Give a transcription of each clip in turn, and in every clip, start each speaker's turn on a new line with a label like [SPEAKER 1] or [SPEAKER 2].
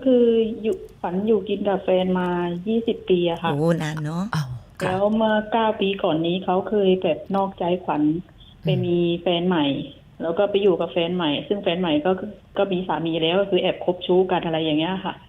[SPEAKER 1] คืออยู่ฝันอยู่กินกับแฟนมา20 ปีอะค่ะ
[SPEAKER 2] โอ้นานเนาะ
[SPEAKER 3] อ้าวค่ะ
[SPEAKER 1] แล้วเมื่อ9 ปีก่อนนี้เขาเคยแบบนอกใจขวัญไปมีแฟนใหม่แล้วก็ไปอยู่กับแฟนใหม่ซึ่งแฟนใหม่ก็มีสามีแล้วก็คือแอบคบชู้กันอะไรอย่างเงี้ยค่ะ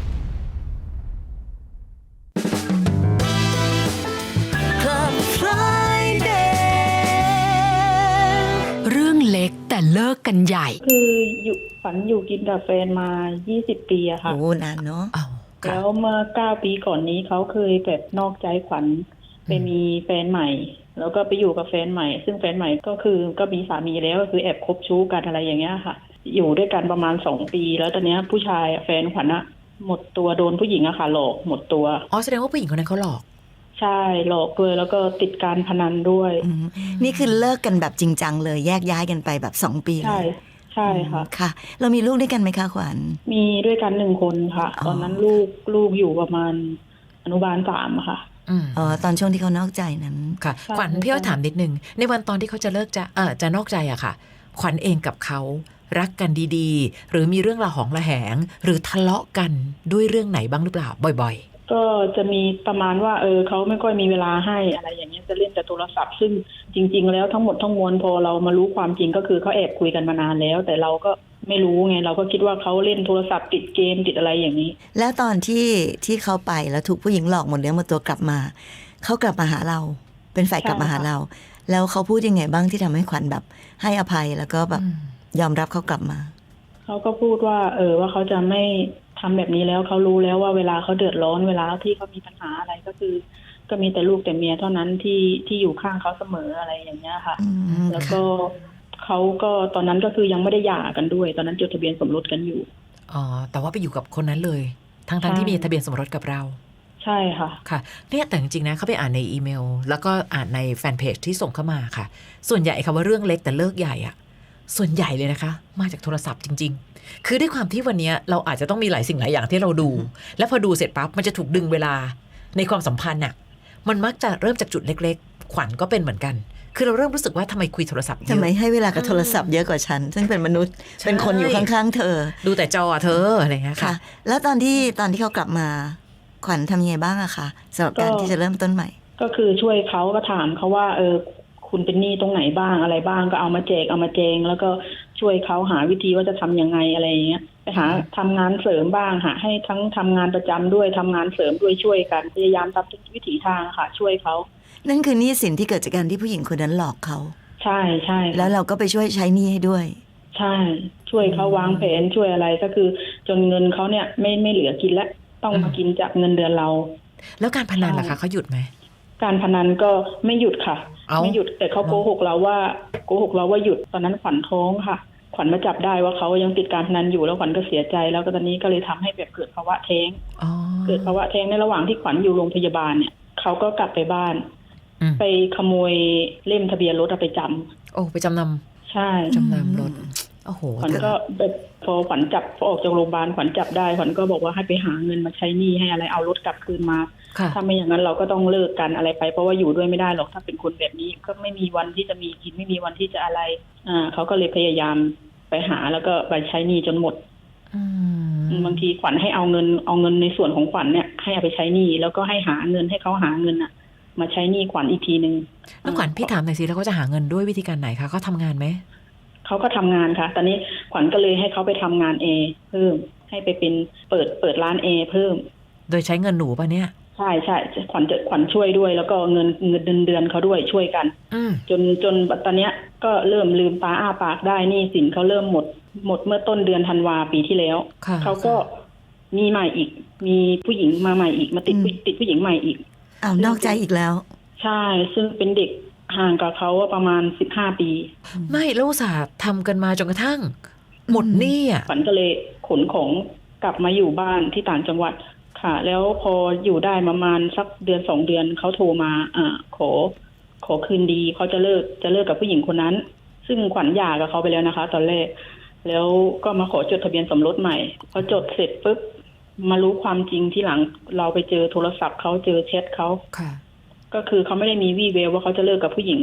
[SPEAKER 3] เรื่องเล็กแต่เลิกกันใหญ่
[SPEAKER 1] คืออยู่ฝันอยู่กินกับแฟนมา20 ปีอะค่ะ
[SPEAKER 2] โอ้นานเนาะ
[SPEAKER 3] อ้าวค่ะ
[SPEAKER 1] แล้วเมื่อ9 ปีก่อนนี้เขาเคยแบบนอกใจขวัญไปมีแฟนใหม่แล้วก็ไปอยู่กับแฟนใหม่ซึ่งแฟนใหม่ก็มีสามีแล้วก็คือแอบคบชู้กันอะไรอย่างเงี้ยค่ะอยู่ด้วยกันประมาณ2 ปีแล้วตอนเนี้ยผู้ชายแฟนขวัญอะหมดตัวโดนผู้หญิงอะค่ะหลอกหมดตัว
[SPEAKER 3] อ๋อแสดงว่าผู้หญิงคนนั้นเขาหลอก
[SPEAKER 1] ใช่หลอกด้วยแล้วก็ติดการพนันด้วย
[SPEAKER 2] นี่คือเลิกกันแบบจริงจังเลยแยกย้ายกันไปแบบ2 ปี
[SPEAKER 1] ใช่ใช่ค่ะ
[SPEAKER 2] ค่ะเรามีลูกด้วยกันไหมคะขวัญ
[SPEAKER 1] มีด้วยกัน1 คนค่ะตอนนั้นลูกอยู่ประมาณอนุบาล3ค่ะ
[SPEAKER 2] อ๋อตอนช่วงที่เขานอกใจนั้น
[SPEAKER 3] ค่ะขวัญพี่ว่าถามนิดนึงในวันตอนที่เขาจะเลิกจะนอกใจอะค่ะขวัญเองกับเขารักกันดีๆหรือมีเรื่องระหองระแหงหรือทะเลาะกันด้วยเรื่องไหนบ้างหรือเปล่าบ่อย
[SPEAKER 1] ก็จะมีประมาณว่าเขาไม่ค่อยมีเวลาให้อะไรอย่างเงี้ยจะเล่นแต่โทรศัพท์ซึ่งจริงๆแล้วทั้งหมดทั้งมวลพอเรามารู้ความจริงก็คือเขาแอบคุยกันมานานแล้วแต่เราก็ไม่รู้ไงเราก็คิดว่าเขาเล่นโทรศัพท์ติดเกมติดอะไรอย่างนี้
[SPEAKER 2] แล้วตอนที่เขาไปแล้วถูกผู้หญิงหลอกหมดเนื้อหมดตัวกลับมาเขากลับมาหาเราเป็นฝ่ายกลับมาหาเราแล้วเขาพูดยังไงบ้างที่ทำให้ขวัญแบบให้อภัยแล้วก็แบบยอมรับเขากลับมา
[SPEAKER 1] เขาก็พูดว่าว่าเขาจะไม่ทำแบบนี้แล้วเขารู้แล้วว่าเวลาเขาเดือดร้อนเวลาที่เขามีปัญหาอะไรก็คือก็มีแต่ลูกแต่เมียเท่านั้นที่อยู่ข้างเขาเสมออะไรอย่างเงี้ยค่ะแล้วก็เขาก็ตอนนั้นก็คือยังไม่ได้หย่ากันด้วยตอนนั้นจดทะเบียนสมรสกันอยู่
[SPEAKER 3] อ๋อแต่ว่าไปอยู่กับคนนั้นเลยทั้งที่มีทะเบียนสมรสกับเรา
[SPEAKER 1] ใช่ค่ะ
[SPEAKER 3] ค่ะเนี่ยแต่จริงๆนะเขาไปอ่านในอีเมลแล้วก็อ่านในแฟนเพจที่ส่งเข้ามาค่ะส่วนใหญ่คำว่าเรื่องเล็กแต่เลิกใหญ่อะส่วนใหญ่เลยนะคะมาจากโทรศัพท์จริงๆคือด้วยความที่วันนี้เราอาจจะต้องมีหลายสิ่งหลายอย่างที่เราดู แล้วพอดูเสร็จปั๊บมันจะถูกดึงเวลาในความสัมพันธ์น่ะมันมักจะเริ่มจากจุดเล็กๆขวัญก็เป็นเหมือนกันคือเราเริ่มรู้สึกว่าทำไมคุยโทรศัพท์เยอะ
[SPEAKER 2] ทำไมให้เวลากับโทรศัพท์เยอะกว่าฉันซึ่งเป็นมนุษย์เป็นคนอยู่ข้างๆเธอ
[SPEAKER 3] ดูแต่จอเธออะไรเงี้ยค่ะ
[SPEAKER 2] แล้วตอนที่เขากลับมาขวัญทำยังไงบ้างอะคะสำหรับการที่จะเริ่มต้นใหม่
[SPEAKER 1] ก็คือช่วยเขาก็ถามเขาว่าคุณเป็นหนี้ตรงไหนบ้างอะไรบ้างก็เอามาแจกเอามาแจงแล้วก็ช่วยเขาหาวิธีว่าจะทำยังไงอะไรอย่างเงี้ยไปหาทำงานเสริมบ้างหาให้ทั้งทำงานประจำด้วยทำงานเสริมด้วยช่วยกันพยายามทำทุกวิถีทางค่ะช่วยเขา
[SPEAKER 2] นั่นคือหนี้สินที่เกิดจากการที่ผู้หญิงคนนั้นหลอกเขา
[SPEAKER 1] ใช่ใช่
[SPEAKER 2] แล้วเราก็ไปช่วยใช้หนี้ให้ด้วย
[SPEAKER 1] ใช่ช่วยเขาวางแผนช่วยอะไรก็คือจนเงินเขาเนี่ยไม่เหลือกินแล้วต้องมากินจากเงินเดือนเรา
[SPEAKER 3] แล้วการพนันล่ะคะเขาหยุดไหม
[SPEAKER 1] การพนันก็ไม่หยุดค่ะไม่หยุดแต่เขาโกหกเราว่าหยุดตอนนั้นขวัญท้องค่ะขวัญมาจับได้ว่าเขายังติดการพนันอยู่แล้วขวัญก็เสียใจแล้วก็ตอนนี้ก็เลยทำให้แบบเกิดภาวะแท้งเกิดภาวะแท้งในระหว่างที่ขวัญอยู่โรงพยาบาลเนี่ยเขาก็กลับไปบ้านไปขโมยเล่มทะเบียนรถเอาไปจำ
[SPEAKER 3] โอ้ไปจำน
[SPEAKER 1] ำใช่
[SPEAKER 3] จำนำรถโอ้โห
[SPEAKER 1] ขวัญก็แบบพอขวัญจับพอออกจากโรงพยาบาลขวัญจับได้ขวัญก็บอกว่าให้ไปหาเงินมาใช้หนี้ให้อะไรเอารถกลับคืนมาถ้าไม่อย่างนั้นเราก็ต้องเลิกกันอะไรไปเพราะว่าอยู่ด้วยไม่ได้หรอกถ้าเป็นคนแบบนี้ก็ไม่มีวันที่จะมีกินไม่มีวันที่จะอะไรเขาก็เลยพยายามไปหาแล้วก็ไปใช้หนี้จนหมดบางทีขวัญให้เอาเงินในส่วนของขวัญเนี่ยให้เอาไปใช้หนี้แล้วก็ให้หาเงินให้เขาหาเงินอ่ะมาใช้หนี้ขวัญอีกทีนึง
[SPEAKER 3] แล้วขวัญพี่ถามหน่อยสิแล้วเขาจะหาเงินด้วยวิธีการไหนคะเขาทำงานไหม
[SPEAKER 1] เขาก็ทำงานค่ะตอนนี้ขวัญก็เลยให้เขาไปทำงานเพิ่มให้ไปเป็นเปิดร้านเพิ่ม
[SPEAKER 3] โดยใช้เงินหนูป่ะเนี่ย
[SPEAKER 1] ใช่ขวัญช่วยด้วยแล้วก็เงินเดือนเขาด้วยช่วยกันจนตอนเนี้ยก็เริ่มลืมตาอ้าปากได้นี่สินเขาเริ่มหมดเมื่อต้นเดือนธันวาปีที่แล้วเขาก็มีใหม่อีกมีผู้หญิงมาใหม่อีกมาติดผู้หญิงใหม่อีก
[SPEAKER 2] นอกใจอีกแล้ว
[SPEAKER 1] ใช่ซึ่งเป็นเด็กห่างกับเขาประมาณ15 ปี
[SPEAKER 3] ไม่แล้วอุตส่าห์ทำกันมาจนกระทั่งหมดหนี้อ่ะ
[SPEAKER 1] ขวัญก็เลยขนของกลับมาอยู่บ้านที่ต่างจังหวัดค่ะแล้วพออยู่ได้ประมาณสักเดือน2 เดือนเขาโทรมาขอคืนดีเขาจะเลิกกับผู้หญิงคนนั้นซึ่งขวัญหย่ากับเขาไปแล้วนะคะตอนแรกแล้วก็มาขอจดทะเบียนสมรสใหม่พอจดเสร็จปุ๊บมารู้ความจริงที่หลังเราไปเจอโทรศัพท์เขาเจอแชทเขาก็คือเขาไม่ได้มีวี่แววว่าเขาจะเลิกกับผู้หญิงเลย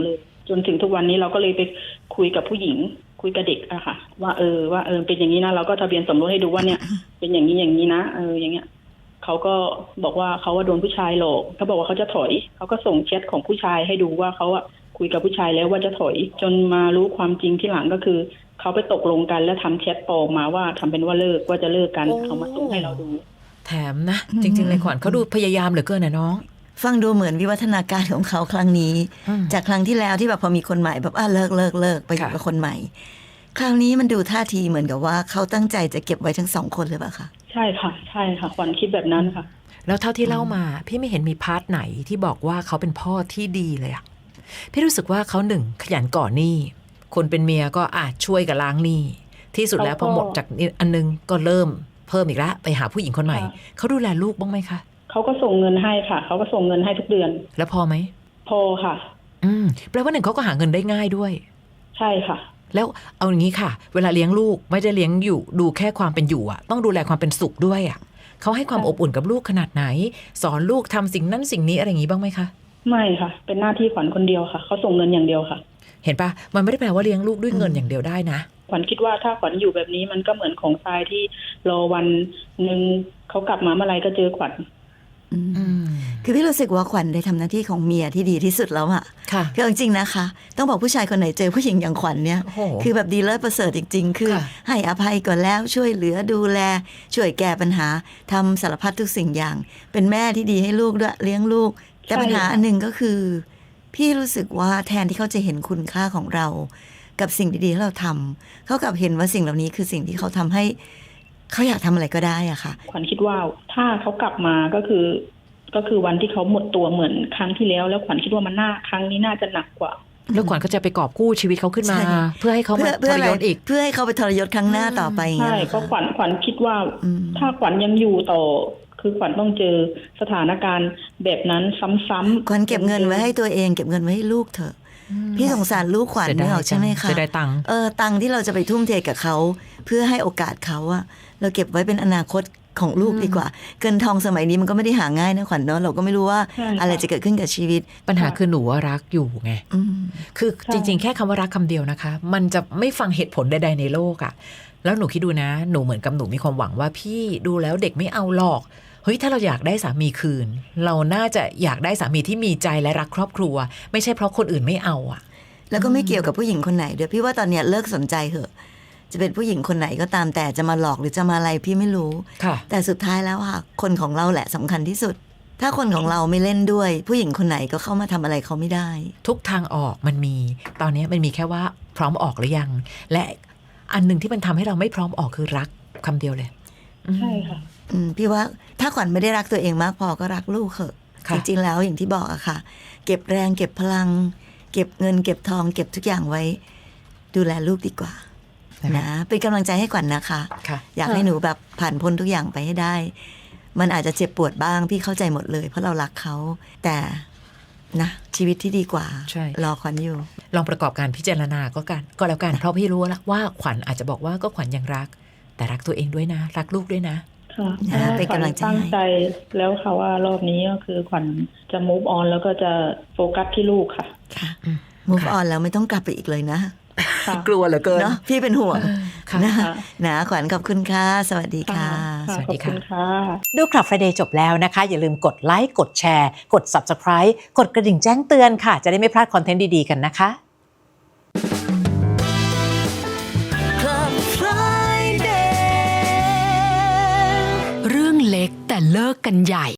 [SPEAKER 1] จนถึงทุกวันนี้เราก็เลยไปคุยกับผู้หญิงคุยกับเด็กอะค่ะว่าเป็นอย่างนี้นะเราก็ทะเบียนสมรสให้ดูว่าเนี่ย เป็นอย่างนี้อย่างนี้นะอย่างเงี้ยเขาก็บอกว่าเขาว่าโดนผู้ชายหลอกเขาบอกว่าเขาจะถอยเขาก็ส่งแชทของผู้ชายให้ดูว่าเขาอะคุยกับผู้ชายแล้วว่าจะถอยจนมารู้ความจริงที่หลังก็คือเขาไปตกลงกันแล้วทำแชทปลอมมาว่าทำเป็นว่าเลิกว่าจะเลิกกันเขามาส่งให้เราดู
[SPEAKER 3] แถมนะจริงๆเลยขวัญเขาดูพยายามเหลือเกินนะน้อง
[SPEAKER 2] ฟังดูเหมือนวิวัฒนาการของเขาครั้งนี้จากครั้งที่แล้วที่แบบพอมีคนใหม่แบบเลิกไปอยู่กับคนใหม่คราวนี้มันดูท่าทีเหมือนกับว่าเขาตั้งใจจะเก็บไว้ทั้ง2 คนหรือเปล่าคะ
[SPEAKER 1] ใช่ค่ะขวัญคิดแบบนั้นค่ะ
[SPEAKER 3] แล้วเท่าที่เล่ามาพี่ไม่เห็นมีพาร์ทไหนที่บอกว่าเขาเป็นพ่อที่ดีเลยอะพี่รู้สึกว่าเขาหนึ่งขยันก่อหนี้คนเป็นเมียก็ช่วยกับล้างหนี้ที่สุดแล้วพอหมดจากอันนึงก็เริ่มเพิ่มอีกแล้วไปหาผู้หญิงคนใหม่เขาดูแลลูกบ้างไหมคะ
[SPEAKER 1] เขาก็ส่งเงินให้ค่ะเขาก็ส่งเงินให้ทุกเดือน
[SPEAKER 3] แล้วพอไหม
[SPEAKER 1] พอค่ะ
[SPEAKER 3] แปลว่าหนึ่งเขาก็หาเงินได้ง่ายด้วย
[SPEAKER 1] ใช่ค่ะ
[SPEAKER 3] แล้วเอาอย่างนี้ค่ะเวลาเลี้ยงลูกไม่ได้เลี้ยงอยู่ดูแค่ความเป็นอยู่อะต้องดูแลความเป็นสุขด้วยอะเขาให้ความอบอุ่นกับลูกขนาดไหนสอนลูกทำสิ่งนั้นสิ่งนี้อะไรอย่างนี้บ้างไหมคะ
[SPEAKER 1] ไม่ค่ะเป็นหน้าที่ขวัญคนเดียวค่ะเขาส่งเงินอย่างเดียวค่ะ
[SPEAKER 3] เห็นปะมันไม่ได้แปลว่าเลี้ยงลูกด้วยเงินอย่างเดียวได้นะ
[SPEAKER 1] ขวัญคิดว่าถ้าขวัญอยู่แบบนี้มันก็เหมือนของทรายที่รอวันนึงเขากลับมาเมื่อไรก็เจอขวัญ
[SPEAKER 2] คือพี่รู้สึกว่าขวัญได้ทำหน้าที่ของเมียที่ดีที่สุดแล้วอะคือจริงๆนะคะต้องบอกผู้ชายคนไหนเจอผู้หญิงอย่างขวัญเนี่ยคือแบบดีเลิศประเสริฐจริงๆคือให้อภัยก่อนแล้วช่วยเหลือดูแลช่วยแก้ปัญหาทำสารพัดทุกสิ่งอย่างเป็นแม่ที่ดีให้ลูกด้วยเลี้ยงลูกแต่ปัญหาอันหนึ่งก็คือพี่รู้สึกว่าแทนที่เขาจะเห็นคุณค่าของเรากับสิ่งดีๆที่เราทำเขากลับเห็นว่าสิ่งเหล่านี้คือสิ่งที่เขาทำให้เขาอยากทำอะไรก็ได้อะค่ะ
[SPEAKER 1] ขวัญคิดว่าถ้าเขากลับมาก็คือวันที่เขาหมดตัวเหมือนครั้งที่แล้วขวัญคิดว่ามันครั้งนี้น่าจะหนักกว่า
[SPEAKER 3] แล้วขวัญก็จะไปกอบกู้ชีวิตเขาขึ้นมาเพื่อให้เขามาทรยศอีก
[SPEAKER 2] เพื่อให้เขาไปทรยศครั้งหน้าต่อไป
[SPEAKER 1] ใช่เพราะขวัญคิดว่าถ้าขวัญยังอยู่ต่อคือขวัญต้องเจอสถานการณ์แบบนั้นซ้ำๆ
[SPEAKER 2] ขวัญเก็บเงินไว้ให้ตัวเองเก็บเงินไว้ให้ลูกเถอะพี่สงสารลูกขวัญไม่ออกใช่ไหมคะ
[SPEAKER 3] จะได้ตังค์
[SPEAKER 2] ตังค์ที่เราจะไปทุ่มเทกับเขาเพื่อให้โอกาสเขาอะเราเก็บไว้เป็นอนาคตของลูกดีกว่าเงินทองสมัยนี้มันก็ไม่ได้หาง่ายนะขวัญเนาะเราก็ไม่รู้ว่าอะไรจะเกิดขึ้นกับชีวิต
[SPEAKER 3] ปัญหาคือหนูว่ารักอยู่ไงคือจริงๆแค่คำว่ารักคำเดียวนะคะมันจะไม่ฟังเหตุผลใดๆในโลกอะแล้วหนูคิดดูนะหนูเหมือนกับหนูมีความหวังว่าพี่ดูแล้วเด็กไม่เอาหรอกเฮ้ยถ้าเราอยากได้สามีคืนเราน่าจะอยากได้สามีที่มีใจและรักครอบครัวไม่ใช่เพราะคนอื่นไม่เอาอะ
[SPEAKER 2] แล้วก็ไม่เกี่ยวกับผู้หญิงคนไหนเดี๋ยวพี่ว่าตอนเนี้ยเลิกสนใจเถอะจะเป็นผู้หญิงคนไหนก็ตามแต่จะมาหลอกหรือจะมาอะไรพี่ไม่รู้แต่สุดท้ายแล้วค่ะคนของเราแหละสำคัญที่สุดถ้าคนของเราไม่เล่นด้วยผู้หญิงคนไหนก็เข้ามาทำอะไรเขาไม่ได้
[SPEAKER 3] ทุกทางออกมันมีตอนนี้มันมีแค่ว่าพร้อมออกหรือยังและอันหนึ่งที่มันทำให้เราไม่พร้อมออกคือรักคำเดียวเลย
[SPEAKER 1] ใช่ค่ะ
[SPEAKER 2] พี่ว่าถ้าขวัญไม่ได้รักตัวเองมากพอก็รักลูกเถอะจริงๆแล้วอย่างที่บอกอะค่ะเก็บแรงเก็บพลังเก็บเงินเก็บทองเก็บทุกอย่างไว้ดูแลลูกดีกว่านะเป็นกำลังใจให้ขวัญนะคะอยากให้หนูแบบผ่านพ้นทุกอย่างไปให้ได้มันอาจจะเจ็บปวดบ้างพี่เข้าใจหมดเลยเพราะเรารักเขาแต่นะชีวิตที่ดีกว่ารอขวัญอยู่
[SPEAKER 3] ลองประกอบการพิจารณาก็แล้วกันเพราะพี่รู้แล้วว่าขวัญอาจจะบอกว่าก็ขวัญยังรักแต่รักตัวเองด้วยนะรักลูกด้วยนะ
[SPEAKER 2] เป็นกำลังใจ
[SPEAKER 1] ตั้งใจแล้วค่ะว่ารอบนี้ก็คือขวัญจะ move on แล้วก็จะโฟกัสที่ลูกค่ะ
[SPEAKER 2] move on แล้วไม่ต้องกลับไปอีกเลยนะ
[SPEAKER 3] กลัวเหลือเกิน
[SPEAKER 2] เนาะพี่เป็นห่วงนะขวัญขอบคุณค่ะสวัสดีค่ะ
[SPEAKER 3] สวัสดีค่ะ
[SPEAKER 4] ดูคลับ Friday จบแล้วนะคะอย่าลืมกดไลค์กดแชร์กด Subscribe กดกระดิ่งแจ้งเตือนค่ะจะได้ไม่พลาดคอนเทนต์ดีๆกันนะคะ
[SPEAKER 5] เรื่องเล็กแต่เลิกกันใหญ่